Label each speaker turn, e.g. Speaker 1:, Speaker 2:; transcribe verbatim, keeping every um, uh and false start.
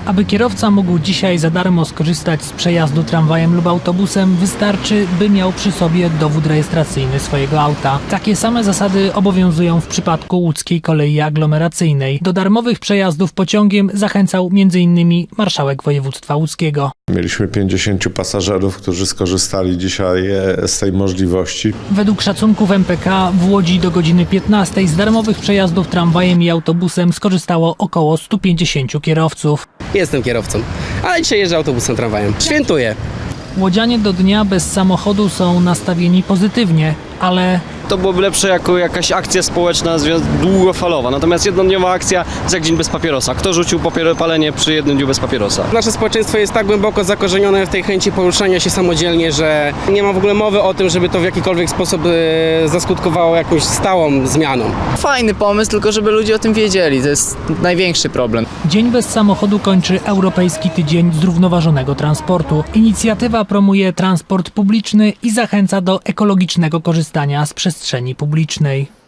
Speaker 1: Aby kierowca mógł dzisiaj za darmo skorzystać z przejazdu tramwajem lub autobusem, wystarczy, by miał przy sobie dowód rejestracyjny swojego auta. Takie same zasady obowiązują w przypadku łódzkiej kolei aglomeracyjnej. Do darmowych przejazdów pociągiem zachęcał między innymi marszałek województwa łódzkiego.
Speaker 2: Mieliśmy pięćdziesięciu pasażerów, którzy skorzystali dzisiaj z tej możliwości.
Speaker 1: Według szacunków M P K w Łodzi do godziny piętnastej z darmowych przejazdów tramwajem i autobusem skorzystało około stu pięćdziesięciu kierowców.
Speaker 3: Jestem kierowcą, ale dzisiaj jeżdżę autobusem, tramwajem. Świętuję.
Speaker 1: Łodzianie do dnia bez samochodu są nastawieni pozytywnie, ale
Speaker 4: to byłoby lepsze jako jakaś akcja społeczna długofalowa. Natomiast jednodniowa akcja jest jak dzień bez papierosa. Kto rzucił papier- palenie przy jednym dniu bez papierosa?
Speaker 3: Nasze społeczeństwo jest tak głęboko zakorzenione w tej chęci poruszania się samodzielnie, że nie ma w ogóle mowy o tym, żeby to w jakikolwiek sposób e, zaskutkowało jakąś stałą zmianą.
Speaker 5: Fajny pomysł, tylko żeby ludzie o tym wiedzieli. To jest największy problem.
Speaker 1: Dzień bez samochodu kończy Europejski Tydzień Zrównoważonego Transportu. Inicjatywa promuje transport publiczny i zachęca do ekologicznego korzystania z przestrzeni publicznej.